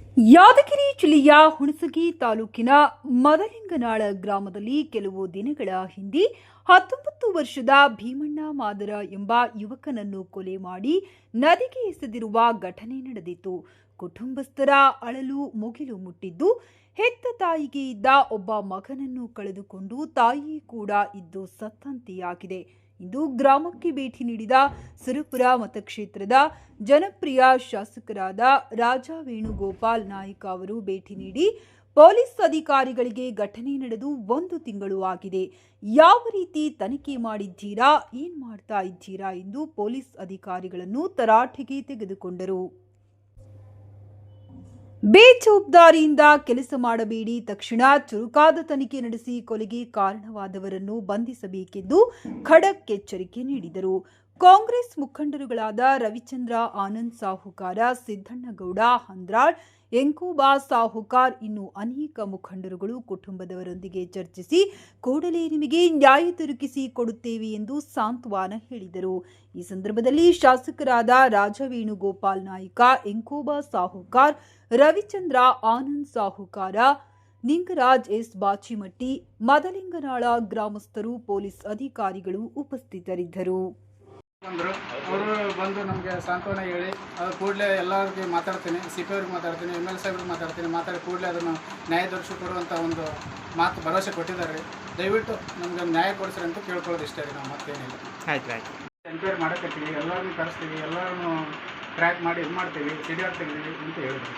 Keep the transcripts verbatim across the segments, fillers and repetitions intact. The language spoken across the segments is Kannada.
ಯಾದಗಿರಿ ಜಿಲ್ಲೆಯ ಹುಣಸಗಿ ತಾಲೂಕಿನ ಮದಲಿಂಗನಾಳ ಗ್ರಾಮದಲ್ಲಿ ಕೆಲವು ದಿನಗಳ ಹಿಂದೆ ಹತ್ತೊಂಬತ್ತು ವರ್ಷದ ಭೀಮಣ್ಣ ಮಾದರ ಎಂಬ ಯುವಕನನ್ನು ಕೊಲೆ ಮಾಡಿ ನದಿಗೆ ಎಸೆದಿರುವ ಘಟನೆ ನಡೆದಿತ್ತು. ಕುಟುಂಬಸ್ಥರ ಅಳಲು ಮುಗಿಲು ಮುಟ್ಟಿದ್ದು, ಹೆತ್ತ ತಾಯಿಗೆ ಇದ್ದ ಒಬ್ಬ ಮಗನನ್ನು ಕಳೆದುಕೊಂಡು ತಾಯಿ ಕೂಡ ಇದ್ದು ಸತ್ತಂತೆಯಾಗಿದೆ. ಇಂದು ಗ್ರಾಮಕ್ಕೆ ಭೇಟಿ ನೀಡಿದ ಸುರಪುರ ಮತಕ್ಷೇತ್ರದ ಜನಪ್ರಿಯ ಶಾಸಕರಾದ ರಾಜಾ ವೇಣುಗೋಪಾಲ್ ನಾಯ್ಕ ಅವರು ಭೇಟಿ ನೀಡಿ ಪೊಲೀಸ್ ಅಧಿಕಾರಿಗಳಿಗೆ ಘಟನೆ ನಡೆದು ಒಂದು ತಿಂಗಳು ಆಗಿದೆ, ಯಾವ ರೀತಿ ತನಿಖೆ ಮಾಡಿದ್ದೀರಾ, ಏನ್ ಮಾಡ್ತಾ ಇದ್ದೀರಾ ಎಂದು ಪೊಲೀಸ್ ಅಧಿಕಾರಿಗಳನ್ನು ತರಾಟೆಗೆ ತೆಗೆದುಕೊಂಡರು. ಬೇಜವಾಬ್ದಾರಿಯಿಂದ ಕೆಲಸ ಮಾಡಬೇಡಿ, ತಕ್ಷಣ ಚುರುಕಾದ ತನಿಖೆ ನಡೆಸಿ ಕೊಲೆಗೆ ಕಾರಣವಾದವರನ್ನು ಬಂಧಿಸಬೇಕೆಂದು ಖಡಕ್ ಎಚ್ಚರಿಕೆ ನೀಡಿದರು. ಕಾಂಗ್ರೆಸ್ ಮುಖಂಡರುಗಳಾದ ರವಿಚಂದ್ರ ಆನಂದ್ ಸಾಹುಕಾರ, ಸಿದ್ದಣ್ಣಗೌಡ ಹಂದ್ರಾಳ್, ಎಂಕೂಬಾ ಸಾಹುಕಾರ್ ಇನ್ನು ಅನೇಕ ಮುಖಂಡರುಗಳು ಕುಟುಂಬದವರೊಂದಿಗೆ ಚರ್ಚಿಸಿ ಕೂಡಲೇ ನಿಮಗೆ ನ್ಯಾಯ ದೊರಕಿಸಿ ಕೊಡುತ್ತೇವೆ ಎಂದು ಸಾಂತ್ವನ ಹೇಳಿದರು. ಈ ಸಂದರ್ಭದಲ್ಲಿ ಶಾಸಕರಾದ ರಾಜಾ ವೇಣುಗೋಪಾಲ್ ನಾಯ್ಕ, ಎಂಕೂಬಾ ಸಾಹುಕಾರ್, ರವಿಚಂದ್ರ ಆನಂದ್ ಸಾಹುಕಾರ, ನಿಂಗರಾಜ್ ಎಸ್ ಬಾಚಿಮಟ್ಟಿ, ಮದಲಿಂಗನಾಳ ಗ್ರಾಮಸ್ಥರು, ಪೊಲೀಸ್ ಅಧಿಕಾರಿಗಳು ಉಪಸ್ಥಿತರಿದ್ದರು. ಬಂದರು ಅವರು ಬಂದು ನಮಗೆ ಸಾಂತ್ವನ ಹೇಳಿ ಅದು ಕೂಡಲೇ ಎಲ್ಲರಿಗೆ ಮಾತಾಡ್ತೀನಿ, ಸಿ ಪಿ ಅವ್ರಿಗೆ ಮಾತಾಡ್ತೀನಿ, ಎಮ್ ಎಲ್ ಸಾಹೇಬ್ರಿಗೆ ಮಾತಾಡ್ತೀನಿ, ಮಾತಾಡಿ ಕೂಡಲೇ ಅದನ್ನು ನ್ಯಾಯ ದೊರಕಿಸಿ ಕೊಡುವಂಥ ಒಂದು ಮಾತು ಭರವಸೆ ಕೊಟ್ಟಿದ್ದಾರೆ ರೀ. ದಯವಿಟ್ಟು ನಮ್ಗೆ ನ್ಯಾಯ ಕೊಡಿಸ್ರಿ ಅಂತ ಕೇಳ್ಕೊಳ್ಳೋದು ಇಷ್ಟ ರೀ. ನಾವು ಮತ್ತೇನಿಲ್ಲ. ಆಯ್ತು ಆಯ್ತು ಎನ್ಕ್ವೈರಿ ಮಾಡಕತ್ತೀವಿ, ಎಲ್ಲರನ್ನೂ ಕರೆಸ್ತೀವಿ, ಎಲ್ಲರನ್ನೂ ಟ್ರ್ಯಾಕ್ ಮಾಡಿ ಇದು ಮಾಡ್ತೀವಿ, ಸಿ ಡಿ ಆರ್ ತೆಗಿತೀವಿ ಅಂತ ಹೇಳಿದ್ವಿ.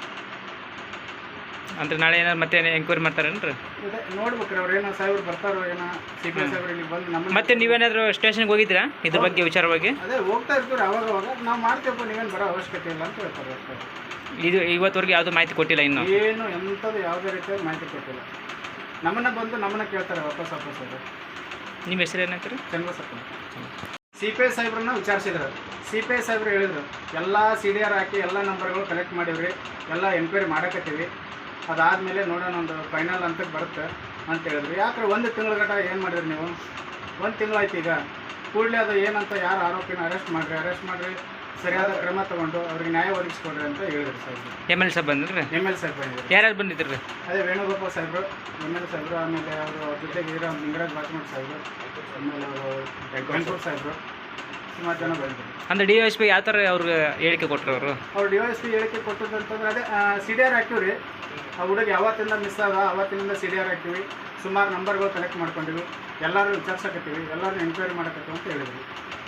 ಅಂದ್ರೆ ನಾಳೆ ಏನಾರು ಮತ್ತೆ ಎಂಕ್ವೈರಿ ಮಾಡ್ತಾರೇನ್ರಿ? ಇದೆ ನೋಡ್ಬೇಕ್ರಿ, ಅವ್ರು ಏನೋ ಸಾಹೇಬ್ರು ಬರ್ತಾರೋ ಏನೋ ಸಿ ಪಿ ಸಾಹೇಬ್ರು ಇಲ್ಲಿ ಬಂದು ನಮ್ಮ ಮತ್ತೆ ನೀವೇನಾದರೂ ಸ್ಟೇಷನ್ಗೆ ಹೋಗಿದ್ದೀರಾ ಇದ್ರ ಬಗ್ಗೆ ವಿಚಾರವಾಗಿ? ಅದೇ ಹೋಗ್ತಾ ಇರ್ತೀವಿ ಅವಾಗ ಅವಾಗ. ನಾವು ಮಾಡ್ತೀವಪ್ಪ, ನೀವೇನು ಬರೋ ಅವಶ್ಯಕತೆ ಇಲ್ಲ ಅಂತ ಹೇಳ್ತಾರೆ. ಇದು ಇವತ್ತವರೆಗೆ ಯಾವುದೂ ಮಾಹಿತಿ ಕೊಟ್ಟಿಲ್ಲ ಇನ್ನು? ಏನು ಎಂಥದ್ದು ಯಾವುದೇ ರೀತಿಯ ಮಾಹಿತಿ ಕೊಟ್ಟಿಲ್ಲ. ನಮ್ಮನ್ನ ಬಂದು ನಮ್ಮನ್ನ ಕೇಳ್ತಾರೆ ವಾಪಸ್ ವಾಪಸ್. ಅದು ನಿಮ್ಮ ಹೆಸರು ಏನಾಗ್ತಾರೆ? ಚಂದ್ರಸಪ್ಪ. ಸಿ ಪಿ ಐ ಸಾಹೇಬ್ರನ್ನ ವಿಚಾರಿಸಿದ್ರು. ಸಿ ಪಿ ಐ ಸಾಹೇಬ್ರು ಹೇಳಿದ್ರು ಎಲ್ಲ ಸಿ ಡಿ ಆರ್ ಹಾಕಿ ಎಲ್ಲ ನಂಬರ್ಗಳು ಕಲೆಕ್ಟ್ ಮಾಡಿವ್ರಿ, ಎಲ್ಲ ಎನ್ಕ್ವೈರಿ ಮಾಡಕತ್ತೀವಿ, ಅದಾದಮೇಲೆ ನೋಡೋಣ ಒಂದು ಫೈನಲ್ ಅಂತಕ್ಕೆ ಬರುತ್ತೆ ಅಂತ ಹೇಳಿದ್ರು. ಯಾಕ್ರೆ ಒಂದು ತಿಂಗಳ ಗಂಟ ಏನು ಮಾಡಿದ್ರಿ ನೀವು? ಒಂದು ತಿಂಗಳಾಯ್ತು. ಈಗ ಕೂಡಲೇ ಅದು ಏನಂತ ಯಾರು ಆರೋಪಿನ ಅರೆಸ್ಟ್ ಮಾಡಿರಿ, ಅರೆಸ್ಟ್ ಮಾಡಿರಿ, ಸರಿಯಾದ ಕ್ರಮ ತೊಗೊಂಡು ಅವ್ರಿಗೆ ನ್ಯಾಯ ಒದಗಿಸ್ಕೊಡ್ರಿ ಅಂತ ಹೇಳಿದ್ರು ಸಾಹೇಬ್ರು. ಎಮ್ ಎಲ್ ಸಾಹೇಬ್ ಬಂದ್ರಿ? ಎಮ್ ಎಲ್ ಸಾಹೇಬ್ ಬಂದಿದ್ರು. ಯಾರ್ಯಾರು ಬಂದಿದ್ರಿ? ಅದೇ ವೇಣುಗೋಪಾಲ್ ಸಾಹೇಬ್ರು, ಎಮ್ ಎಲ್ ಸಾಹೇಬ್ರು, ಆಮೇಲೆ ಅವರು ಜೊತೆಗೆ ಇರೋ ನಿಂಗರಾಜ್ ಬಾಚಿಮಠ್ ಸಾಹೇಬ್ರು, ಆಮೇಲೆ ಅವರು ವೆಂಕಟೇಶ್ ಸಾಹೇಬ್ರು, ಸುಮಾರು ಜನ ಬಂದಿದ್ರು. ಅಂದರೆ ಡಿ ಎಸ್ ಪಿ ಯಾವ ಥರ ಅವ್ರಿಗೆ ಹೇಳಿಕೆ ಕೊಟ್ಟರು ಅವರು? ಅವ್ರು ಡಿ ಎಸ್ ಪಿ ಹೇಳಿಕೆ ಕೊಟ್ಟದ್ದು ಅಂತಂದ್ರೆ ಅದೇ ಸಿ ಡಿ ಆರ್ ಹಾಕಿವಿ ರೀ. ಆ ಹುಡುಗ ಯಾವತ್ತಿಂದ ಮಿಸ್ ಆದ ಅವತ್ತಿನಿಂದ ಸಿ ಡಿ ಆರ್ ಹಾಕ್ತೀವಿ, ಸುಮಾರು ನಂಬರ್ಗಳು ಕಲೆಕ್ಟ್ ಮಾಡ್ಕೊಂಡಿವಿ, ಎಲ್ಲರೂ ವಿಚಾರಿಸಕತ್ತೀವಿ, ಎಲ್ಲರೂ ಎನ್ಕ್ವೈರಿ ಮಾಡಕತ್ತೀವಿ ಅಂತ ಹೇಳಿದ್ವಿ.